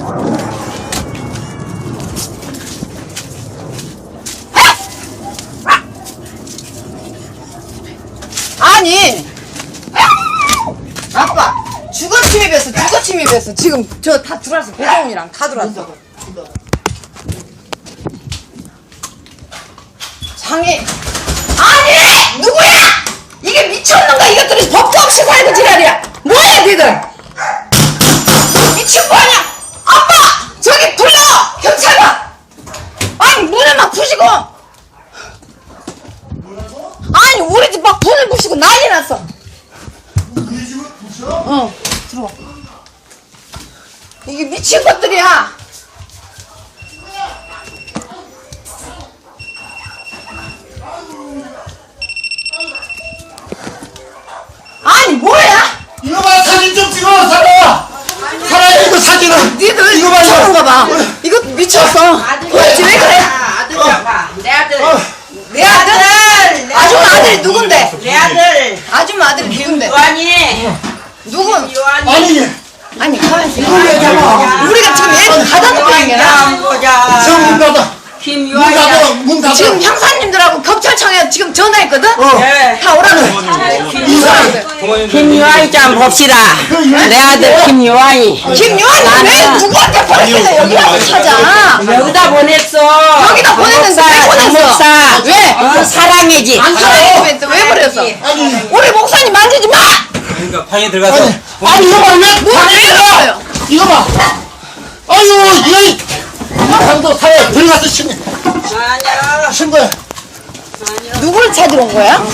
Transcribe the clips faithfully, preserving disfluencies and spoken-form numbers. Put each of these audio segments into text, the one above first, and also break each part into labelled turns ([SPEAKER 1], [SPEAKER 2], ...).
[SPEAKER 1] 아니 아빠 주거 침입했어. 주거 침입했어. 지금 저 다 들어왔어. 배정훈이랑 다 들어왔어. 장애 아니 누구야? 이게 미쳤는가? 이것들이 법도 없이 살고 지랄이야. 뭐야 니들? 미친 거 아니야? 아빠 저기 불러 경찰관. 아니 문을 막 부시고 아니 우리 집 막 문을 부시고 난리 났어.
[SPEAKER 2] 그 집을 부셔?
[SPEAKER 1] 어 들어와. 이게 미친 것들이야. 아니 뭐야?
[SPEAKER 2] 이거 봐 사진 좀 찍어 사라. 사라 이거 사진은.
[SPEAKER 1] 니들
[SPEAKER 2] 이거 봐
[SPEAKER 1] 미쳤는가 봐. 이거 미쳤어. 도대체 왜 그래?
[SPEAKER 3] 아들이야, 내 아들.
[SPEAKER 2] 어.
[SPEAKER 1] 내 아들? 아줌마 아들이 누군데?
[SPEAKER 3] 내 아들.
[SPEAKER 1] 아줌마 아들이 누군데?
[SPEAKER 3] 요한이.
[SPEAKER 1] 누군?
[SPEAKER 3] 요한이.
[SPEAKER 2] 아니
[SPEAKER 1] 아니 가만있어.
[SPEAKER 2] 이걸 왜 잡아?
[SPEAKER 1] 우리가 지금 애를 가둬놓고 있는 거야.
[SPEAKER 3] 보자.
[SPEAKER 2] 저문 닫아. 문
[SPEAKER 3] 김요한이.
[SPEAKER 2] 닫아. 문 닫아.
[SPEAKER 1] 지금 형사님들하고 경찰청에 지금 전화했거든?
[SPEAKER 2] 어.
[SPEAKER 3] 네.
[SPEAKER 1] 다 오라고.
[SPEAKER 2] 이 사람.
[SPEAKER 3] 김요한이 좀 봅시다. 내 아들 김요한이.
[SPEAKER 1] 김요한이 왜 누구한테 보냈길래 여기 와서 찾아?
[SPEAKER 3] 여기다 보냈어.
[SPEAKER 1] 여기다 보냈는데 왜 보냈어?
[SPEAKER 3] 목사.
[SPEAKER 1] 왜?
[SPEAKER 3] 어, 사랑이지.
[SPEAKER 1] 안 사랑했으면 왜 그랬어?
[SPEAKER 2] 아니
[SPEAKER 1] 우리 목사님 만지지 마!
[SPEAKER 4] 그러니까 방에 들어가서
[SPEAKER 2] 아니 아니 이거 봐 왜?
[SPEAKER 1] 뭐왜 그랬어요?
[SPEAKER 2] 이거 봐. 아유 이거 강도 사회 들어가서 신고
[SPEAKER 3] 아니야.
[SPEAKER 2] 신고해.
[SPEAKER 1] 누구를 찾으러 온 거야?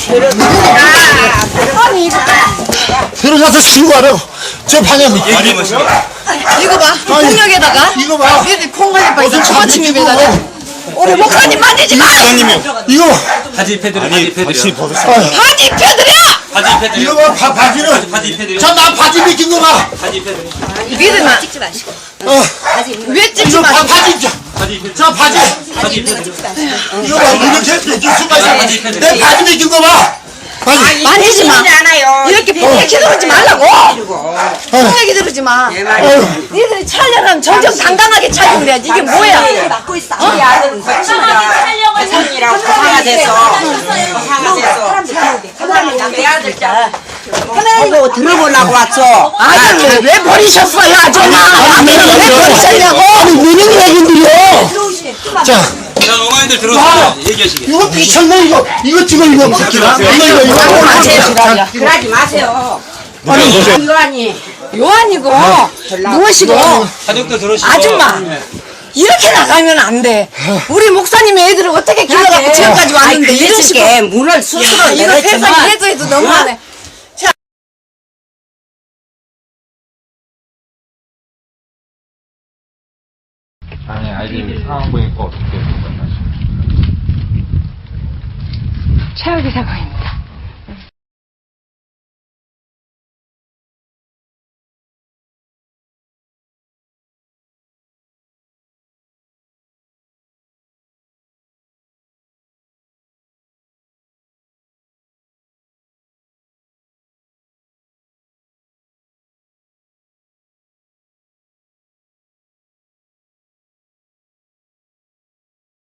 [SPEAKER 1] 아니 이거
[SPEAKER 2] 들어가서 신고하라고. 저 방에
[SPEAKER 4] 얘기 뭐
[SPEAKER 1] 이거 봐 폭력에다가
[SPEAKER 2] 이거 봐.
[SPEAKER 1] 얘들 콩가지 봐 이거
[SPEAKER 2] 어디
[SPEAKER 1] 주거 침입에다가 우리 목사님 만지지 마!
[SPEAKER 2] 이거 봐.
[SPEAKER 4] 바지 입혀드려. 바지 입혀드려.
[SPEAKER 1] 바지 입혀드려!
[SPEAKER 4] 바지 입혀드려.
[SPEAKER 2] 이거 봐 바, 바지는.
[SPEAKER 4] 바지 입혀드려.
[SPEAKER 2] 저 나 바지 벗긴 거 봐.
[SPEAKER 4] 바지 입혀드려.
[SPEAKER 1] 믿으면 찍지 마시고
[SPEAKER 2] 어.
[SPEAKER 1] 왜 찍지
[SPEAKER 2] 이거 바,
[SPEAKER 1] 마시고
[SPEAKER 2] 바지 입자.
[SPEAKER 4] 바지 입혀드려.
[SPEAKER 2] 저 바지.
[SPEAKER 4] 바지 입혀드려.
[SPEAKER 2] 이거 봐 이렇게 벗길 수가 있어.
[SPEAKER 4] 바지 입혀드려.
[SPEAKER 2] 내 바지 벗긴 거 봐. 바지.
[SPEAKER 1] 만지지 마
[SPEAKER 3] 않아요.
[SPEAKER 1] 이렇게 폭력이 들어오지 말라고 폭력이 들어오지 마
[SPEAKER 2] 아유.
[SPEAKER 1] 니들이 차려면 정정당당하게 차리고 그래야지 이게 뭐야
[SPEAKER 3] 맡고 있어. 우리 아들은 거친이라 거친이라고 고상가 됐어. 고상가 됐어. 내 아들 자. 보고 들어보려고 왔어.
[SPEAKER 1] 아들 왜 버리셨어요 아줌마 아들을 왜 버리셨냐고
[SPEAKER 2] 아니 무슨 얘긴데요? 자.
[SPEAKER 4] 자, 어머니들 들어오세요. 얘기하시게.
[SPEAKER 2] 이거 미쳤네 이거. 이거 찍어 이거. 이거 이거 이거.
[SPEAKER 1] 마세요
[SPEAKER 3] 그러지 마세요.
[SPEAKER 2] 아니
[SPEAKER 3] 요한이.
[SPEAKER 1] 요한이고 무엇이고
[SPEAKER 4] 가족도 들어오시고.
[SPEAKER 1] 아줌마 이렇게 나가면 안 돼. 우리 목사님의 애들을 어떻게 길러갖고 지금까지 왔는데 이런 식으로
[SPEAKER 3] 문을 스스로
[SPEAKER 1] 야, 이거 세상에
[SPEAKER 3] 내렸지만
[SPEAKER 1] 해도 해도 너무하네.
[SPEAKER 5] 아니 아이들 상황 보니까 어떻게 생각나시나요?
[SPEAKER 1] 최악의 상황입니다.